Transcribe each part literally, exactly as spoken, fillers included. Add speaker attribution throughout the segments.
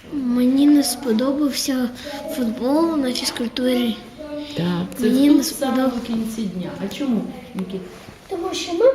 Speaker 1: Мені не сподобався футбол на фізкультурі.
Speaker 2: Так, це
Speaker 1: Мені
Speaker 2: тут
Speaker 1: не
Speaker 2: саме
Speaker 1: сподобалося.
Speaker 2: в кінці дня. А чому, Нікіт?
Speaker 1: Тому що ми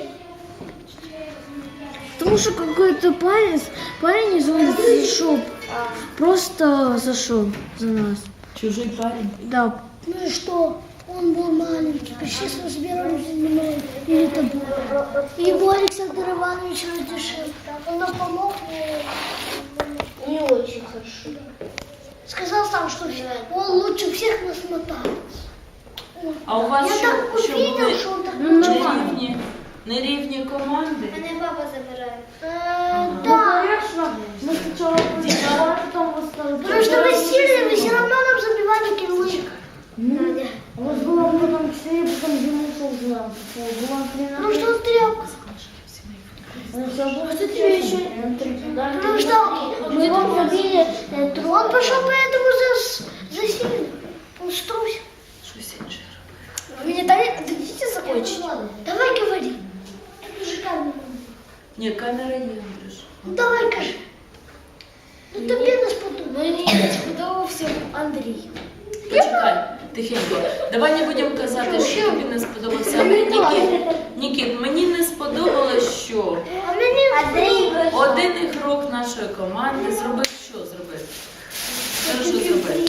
Speaker 1: Тому що какой-то парень, парень из улицы зашел. Просто зашел за нас.
Speaker 2: Чужий парень?
Speaker 1: Да.
Speaker 3: Ну и что? Он был маленький, почти с размером с мной или тобой. И его Александр Иванович разрешил. Он нам помог мне не очень хорошо. Сказал сам, что он лучше всех нас мотает.
Speaker 2: А у вас
Speaker 3: Я
Speaker 2: що,
Speaker 3: так
Speaker 2: що
Speaker 3: увидел,
Speaker 2: були
Speaker 3: что он так
Speaker 2: нерівні, нерівні команди?
Speaker 3: Мене папа забирає. Э, да.
Speaker 1: Мы сначала
Speaker 2: Діма,
Speaker 3: Потому что мы сильные, вы все равно нам забивали килы. Надя.
Speaker 1: У нас было потом четыре, потом Дима ушел за нас. Было тринадцать.
Speaker 3: Ну что тряпка?
Speaker 1: А что тебе еще?
Speaker 3: Потому что мы вам забили э, трон. Он пошел поэтому за, за сильным. Он струсил.
Speaker 2: Щось інше робив.
Speaker 3: Вы мне дали, дадите закончить? Давай говори. Тут уже камера.
Speaker 2: Ні, камера є, Андрюш.
Speaker 3: Ну давай кажи. Ну тобі не сподобалось.
Speaker 1: Мені не сподобався Андрій.
Speaker 2: Почекай, тихенько. Давай не будемо казати, що тобі не сподобався. Нікіт, Нікіт, мені не сподобалось, що
Speaker 3: А мені Андрій.
Speaker 2: один ігрок нашої команди зробив що зробив? Що що зробив?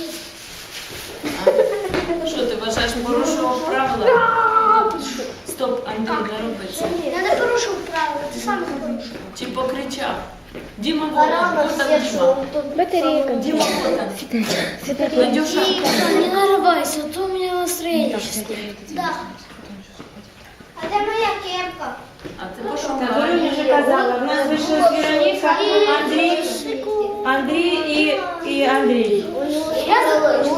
Speaker 2: А? Що ти вважаєш, порушував правила? Стоп, Андрій, не роби це.
Speaker 3: Я не порушив правила, ти сам їх порушив.
Speaker 2: Чи покричав? Діма Волан, вот там Діма.
Speaker 1: Батарейка.
Speaker 2: Діма Волан. Надюша.
Speaker 1: Не нарывайся, а то у меня настроение.
Speaker 3: Да. А де моя кепка?
Speaker 2: А ти пошукай.
Speaker 4: Так, Оля вже казала, в нас вийшли Вероніка, Андрій, Андрій і, і Андрій.
Speaker 3: Я забула.